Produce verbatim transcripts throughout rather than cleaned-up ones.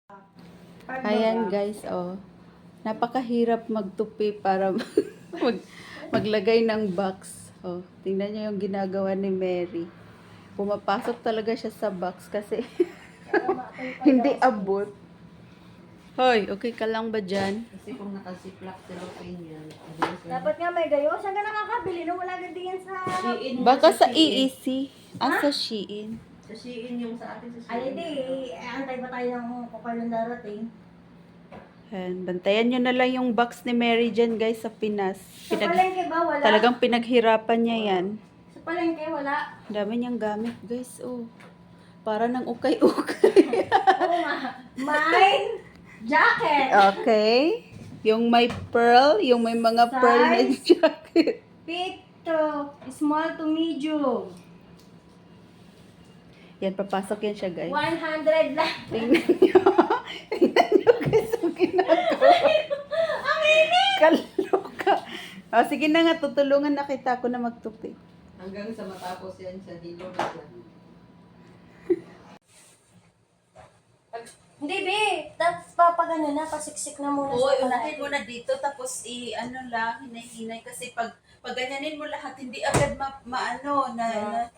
Ayan guys, oh. Napakahirap magtupi para mag, maglagay ng box. Oh, tingnan niyo yung ginagawa ni Mary. Pumapasok talaga siya sa box kasi hindi abot. Hoy, okay ka lang ba dyan? Kasi kung nakasiplak cellophane yan, Dapat nga may gayo. Saan ka nakakabili? No, wala ganda yan sa... Shein nga Baka sa Shein. E E C. Ah, sa Shein. Sa Shein yung sa atin sa Shein. Ay, hindi. Eh, antay ba tayo ng kung darating? Ayan, bantayan nyo na lang yung box ni Mary dyan guys sa Pinas. Sa palengke ba? Wala? Talagang pinaghirapan niya yan. Sa palengke, wala. Ang dami niyang gamit guys, oh. Para ng ukay-ukay. Oo nga. Mine jacket. Okay. Yung may pearl, yung may mga pearl na Size? jacket. Fit to small to medium. Yan, papasok yan siya guys. one hundred lang. Tingnan niyo. Tingnan niyo guys ang ginagawa. Ang init! Kaloka. O, sige na nga, tutulungan na kita ako na magtupi. Hanggang sa matapos yan sa dilo na siya. Hindi, be. Tapos papagano na, pasiksik na muna Oo, sa unahin palengke. mo na dito, tapos i, ano lang, hinay-hinay. Kasi pag, pag ganyanin mo lahat, hindi agad ma, maano, na, Yeah. na,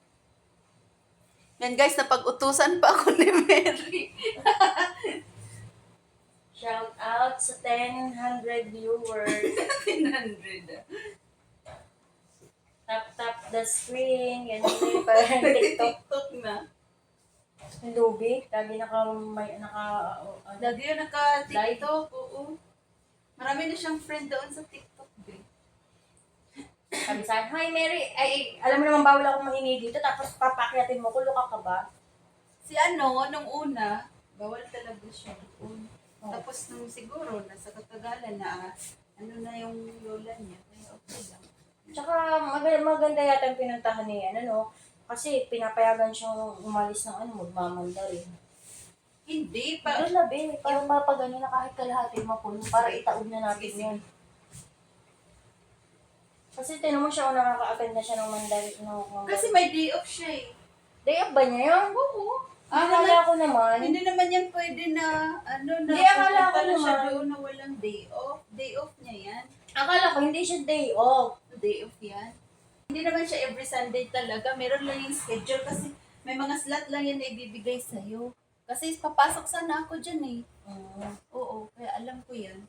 yan guys, napag-utusan pa ako ni Mary. Shout out sa ten hundred viewers. ten hundred. Tap tap the screen. Ganyan na yung parang TikTok. TikTok na. Yung Lubi. Lagi naka, may, naka, uh, ano. Lagi yun naka-TikTok, oo. Marami na siyang friend doon sa TikTok, babe. Sabi sa akin, hi Mary, ay, alam mo naman bawal akong mahingi dito, tapos papakyatin mo ko, luka ka ba? Si ano, nung una, bawal talaga siya doon. Oh. Tapos nung siguro, nasa katagalan na, ano na yung lola niya, kaya okay lang. Tsaka mag- maganda yata yung pinuntahan ni, ano no, kasi pinapayagan siyang umalis ng ano, magmamanda rin. Hindi, pa, Pero labi, parang mapagano na kahit kalahati mapuno, para itaog na natin Sige, yun. Kasi tinan mo siya kung nakaka-attend na siya ng Mandarin. No, kasi may day off siya eh. day off ba niya yun? Oo. Ah, akala ko naman. Hindi naman yan pwede na, ano na, Hindi, akala pupunta ko na siya naman. doon na walang day off. Day off niya yan. Akala ko hindi siya day off. Day off yan. Hindi naman siya every Sunday talaga. Meron lang yung schedule kasi may mga slot lang yan na ibibigay sa'yo. Kasi papasok sana ako dyan eh. Mm. Oo, kaya alam ko yan.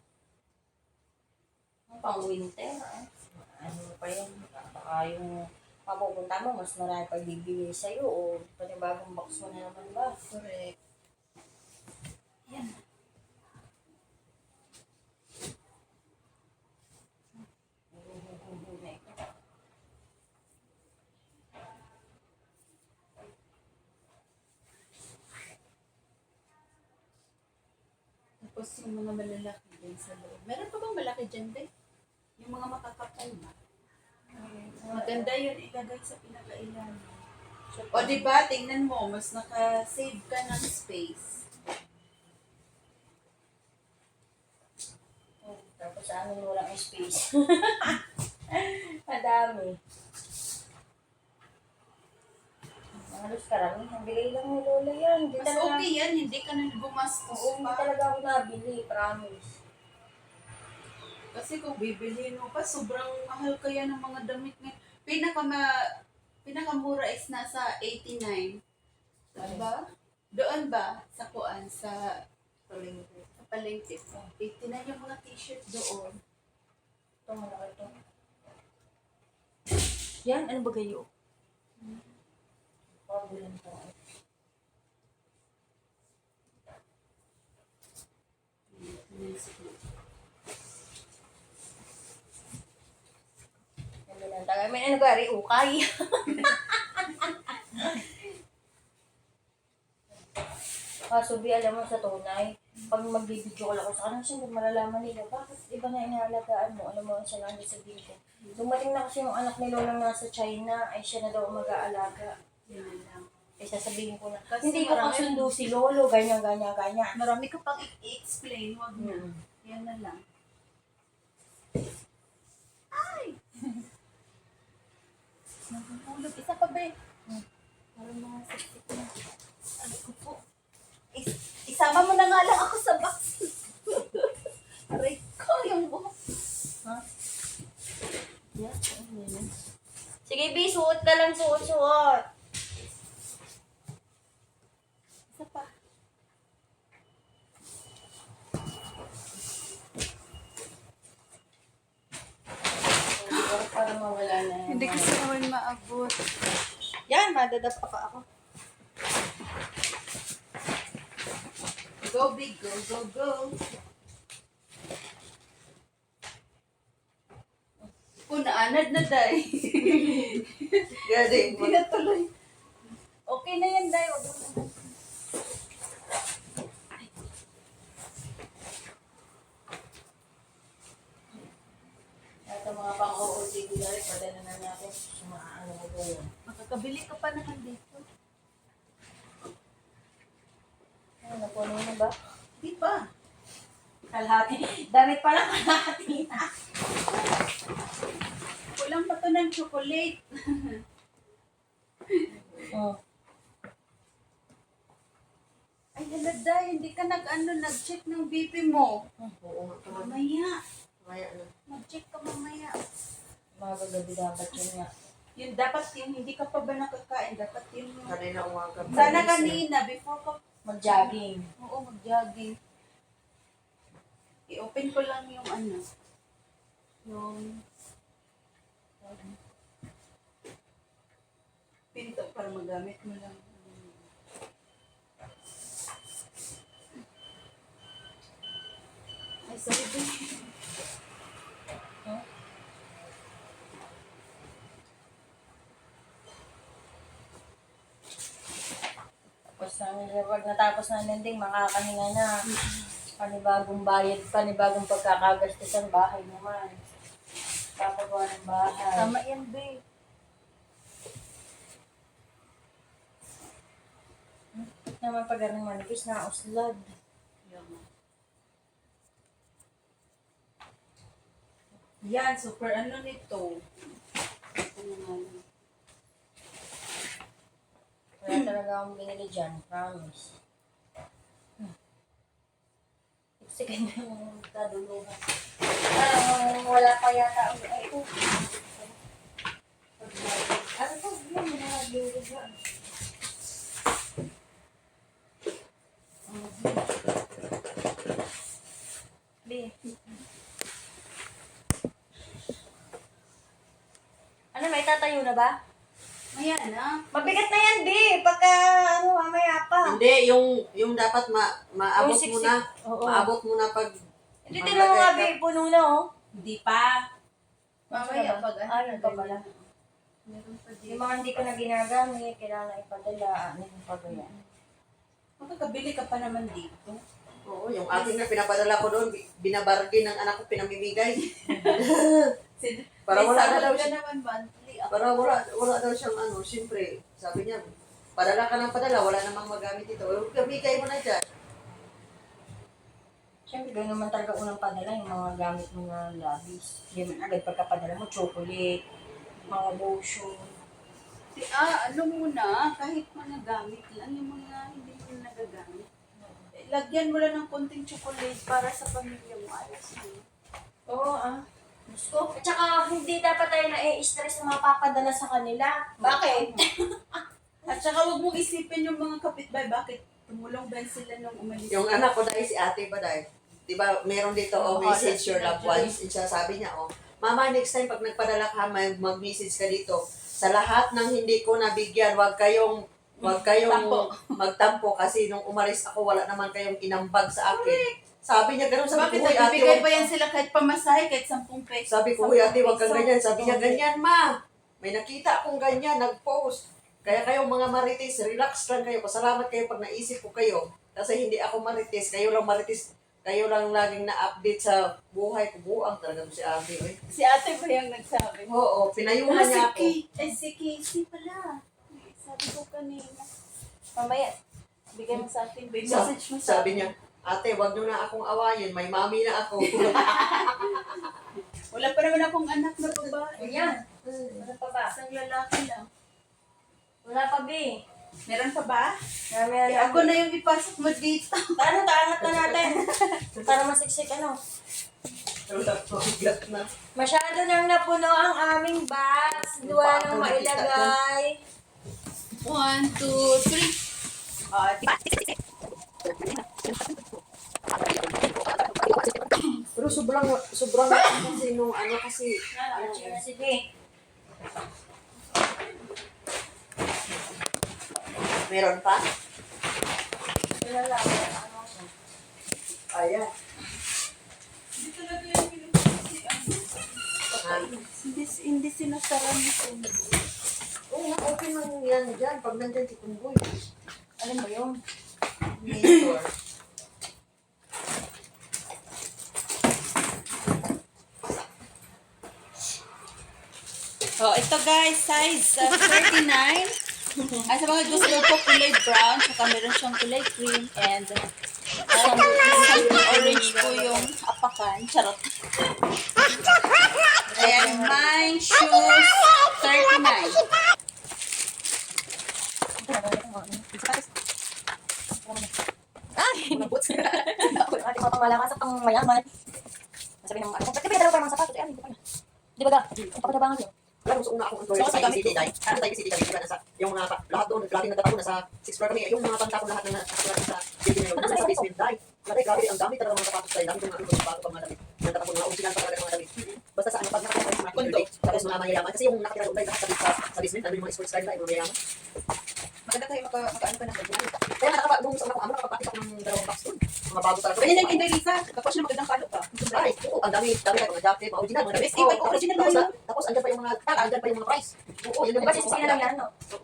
Pang winter, ah. Ano pa yan? Baka yung mapupunta mo, mas marami pa bibigay sa'yo o panibagong box mo na naman ba? Correct. Yan. Huhuhuhu na ito. Tapos yung mga malalaki din sa loob. Meron pa bang malaki dyan din? Yung mga makakapal na. Maganda yun ilagay sa pinakailalim. O di ba tingnan mo, mas naka-save ka ng space. Oh, tapos sa amin walang space. Madami. Halos karami. Nabigay lang ni Lola yan. Hindi Mas talaga, okay yan, hindi ka na gumastos oo, hindi pa. talaga ako nabili. Promise. Kasi kung bibilihin mo pa, sobrang mahal kaya ng mga damit ngayon. Pinaka pinakamura is nasa eighty-nine. Diba? Doon ba? Sa kuan? Sa palengke. Sa palengke. eighty-nine yung mga t-shirt doon. Ito, malaki ito. Yan, ano ba kayo? Pabulan ko. Ano lang tayo? May ano ba? Ukay. Kaso, Bi, alam mo sa tunay, pag magbibideo call ako sa kanila, siyempre malalaman nila, bakit iba na inaalagaan mo? Alam mo, siya lang sabihin ko. Dumating na kasi yung anak ni Lolang nasa China, ay siya na daw mag-aalaga. Yun na lang. Eh, sasabihin ko na, Kasi hindi ko marami- kasundo si Lolo, ganyan, ganyan, ganyan. Marami ka pang i-explain. Wag na. Hmm. Yan na lang. Nagpupulog. Isa pa ba eh? Parang mga sexy ko na. Ano ko po? Is, isama Sama mo na nga lang ako sa box. Aray ko yung buhok. Ha? Yeah. Sige, B, suot ka lang, suot, suot. Isa pa. Para mawala na yan. Hindi kasi naman maabot. Yan, madadapa pa ako. Go big, go, go, go. Punaanad na, Day. Gadi. Hindi na tuloy. Okay na yan, Day. Wag mo na. At ang mga pang-O O T D na rin, padala na natin. Sumaano mo ko yun. Makakabili ka pa naman dito. Ano, napuno na ba? Di ba? Kalahati. Damit pa lang kalahati na. Kulang pa to ng chocolate. Oh. Ay, hala, Day. Hindi ka nag-ano, nag-check ng B P mo. Oo nga naman. Mamaya. Maya na. Mag-check ka mamaya. Mga gagabi dapat yun nga. Yun, dapat yung hindi ka pa ba nakakain, dapat yun yung... Kanina umaga. Sana kanina, before ka... Mag-jogging. Oo, mag-jogging. I-open ko lang yung ano. Yung... Pinto para magamit mo lang. Ay, sorry, babe. Huh? Tapos na, pag natapos na nanding, makakahinga na. Panibagong bayad, panibagong pagkakagastusan, bahay naman. Papagawa ng bahay. Tama yan, babe. Naman pag anong manipis na uslad. Yan, super ano nito. Ano nga lang. Wala talaga akong binili dyan, promise. Hmm. Sige na yung kaduluhan. Parang wala pa yata ang ay ito. Ano to? Yan, may naglulog dyan. Bi. Ano, may tatayo na ba? Maya na. Mabigat na yan, Bi. Pagka, ano, mamaya pa. Hindi, yung yung dapat ma maabot Yung mo siksik. na. Oo. Maabot mo na pag Hindi, tinan mo nga, Bi. Puno na, oh. Hindi pa. Mamaya Mamaya pag ano. Ay, yun pa pala. Meron pa Yung dito. mga hindi ko na ginagamit, kailangan ipadala. Ano yung pagaya? Makakabili ka pa naman dito. Oo, yung aking na pinapadala ko doon, bi- binabargin ng anak ko, pinamimigay. Sin- Para May wala na sahod daw ka siya. naman monthly. Ako, Para wala, wala daw siyang ano, siyempre, sabi niya, padala ka ng padala, wala namang magamit ito. Eh, Kamigay mo na dyan. Siyempre, gano'n naman talaga unang padala yung mga gamit mo na labis. Hindi man agad pagkapadala mo, chocolate, mga lotion. Si, ah, ano muna, kahit mga gamit lang, yung mga hindi mo na nagagamit. Eh, lagyan mo lang ng konting chocolate para sa pamilya mo. Ayos na. Oo, ah. Gusto. At saka, hindi dapat tayo na-i-stress na mapapadala sa kanila. Bakit? At saka huwag mong isipin yung mga kapitbahay, bakit tumulong ba sila nung umalis? Yung anak ko dahil si ate ba dahil, di ba, meron dito, oh, Oo, message your sila loved dyan. ones. And siya sabi niya, oh, Mama, next time pag nagpadala ka, may mag-message ka dito. Sa lahat ng hindi ko nabigyan, wag kayong, wag kayong Tampo. magtampo kasi nung umalis ako, wala naman kayong inambag sa akin. Sabi niya, ganun, sabi Bakit ko, "Hoy, ate, nagbibigay wag ba yan sila kahit pamasahe, kahit sampung pesos? Sabi ko, "Hoy, ate, wag kang Sampung ganyan." peso. Sabi niya, ganyan, ma. May nakita akong ganyan, nag-post. Kaya kayong mga marites, relax lang kayo. Pasalamat kayo pag naisip ko kayo. Kasi hindi ako marites. Kayo lang marites. Kayo lang laging na-update sa buhay ko. Buang talaga si ate. Eh. Si ate ba yung nagsabi? Oo, pinayuhan Ah, si niya ako. Kay. Eh, si Casey pala. Sabi ko kanina. Mamaya, bigay mo sa akin. May Sa- message mo sa sabi niya, ate, wag nyo na akong awayin. May mami na ako. Wala pa naman akong anak na babae. Ayan. Ano pa ba? Isang lalaki lang. Wala pa, Bi. Meron pa ba? Marami Eh, na ako na yung ipasok mo dito. Paano, taangat na natin. Para masiksik ano. Bigat na. Masyado nang napuno ang aming box. Duwa nang mailagay. One, two, three. Ah, di ba? Pero sobrang, sobrang kasi nung ano kasi, ano, Sige. meron pa? Wala lang. Ano? Ayan. Hindi talaga yung pinapasi. Ay. Hindi, hindi sinasara nito. Oo nga, open lang yan dyan. Pag nandyan si Tumboy. Alin ba yun? Mayor. Oh, ito guys, size uh, thirty-nine. Ay, sa mga gusto po kulay brown, saka meron siyang kulay cream, and uh, some orange po yung apakan. Charot. Ayan, my shoes, thirty-nine. Ay! Ate ko pang malakas at pang mayaman. Sabi ng ano, ba't ka pinadalaw pa ng mga sapatos? Eh, ano, hindi ko pa na. Di ba ga? Papatabangan yun. Alam mo, sa una akong employer So, sa gamit I B C D dahil, ano tayo I B C D kami, diba, nasa, yung mga, pa- lahat doon, grabe nagtatapon, nasa sixth floor kami, yung mga pantapon lahat na nakatulad sa building na yun, nasa basement dahil, grabe, grabe, ang dami talaga mga sapatos tayo, dami kong mga ano, bago pang mga damit, nagtatapon, mga original pa talaga ng mga damit. Basta sa ano, pag nakatira sa mga Kondo. tapos mga mayayaman, kasi yung nakatira doon tayo lahat sa, sa, sa basement, ano yung mga sports style na, yung mga mayayaman. Maganda tayo maka, maka-ano ka ng ganyan. Kaya nakaka, nung sa una ko, amo, nakapapakit ako ng dalawang box doon, mga bago talaga. Ganyan yung Inday Lisa. Kapag siya magandang palo ka. Ay, oo, ang dami, dami tayo, mga jacket, mga original, mga damit. Yes, iba yung original tapos, na na- tapos andyan pa yung mga tag, andyan pa yung mga price. Oo, yun yung Diba sisipin na lang yan, no?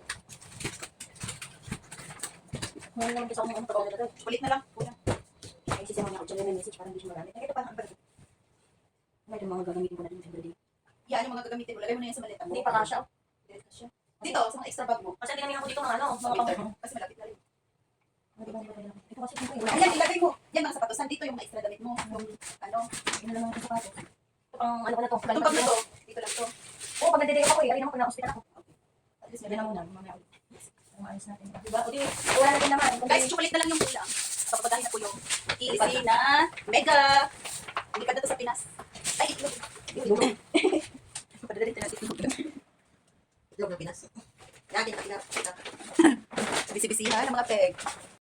Ngayon naman kasi ako ng ano pa talaga. Ulit na lang. Kulang. Ay, sisiyaw niya ako dyan may message, parang hindi siya magamit. Ay, ito parang ano ba? May ito mga gagamitin ko na din sa birthday. Yan yung mga gagamitin mo. Lagay mo na yan sa maleta mo. Hindi pa kasha. oh. Hindi pa kasya. Dito, sa mga extra bag mo. Kasi tinamihan ko dito mga ano, mga pang... Kasi malapit na rin. Ano ba, ano ba, ano ba? Ito kasi ito yung Ayan, ilagay mo. Yan mga sapatos. Nandito yung mga extra damit mo. Yung ano. Ino lang naman ito sapatos. Ito pang ano ko na to. Itong bag na to. Dito lang to. Oo, pag nagdidikap ako eh. Ayun naman kung na-hospital ako. At least Sabi meron na na muna, mamaya ulit. Ang maayos natin. Diba? O di, wala na din naman. Guys, chocolate na lang yung kulang. Papapagahin na po yung easy na mega. Hindi pa dito sa Pinas. Ay, itlog. Itlog. Padala dito natin itlog. Itlog ng Pinas. Yan, kita, kita, kita. Bisi-bisihan ng mga peg.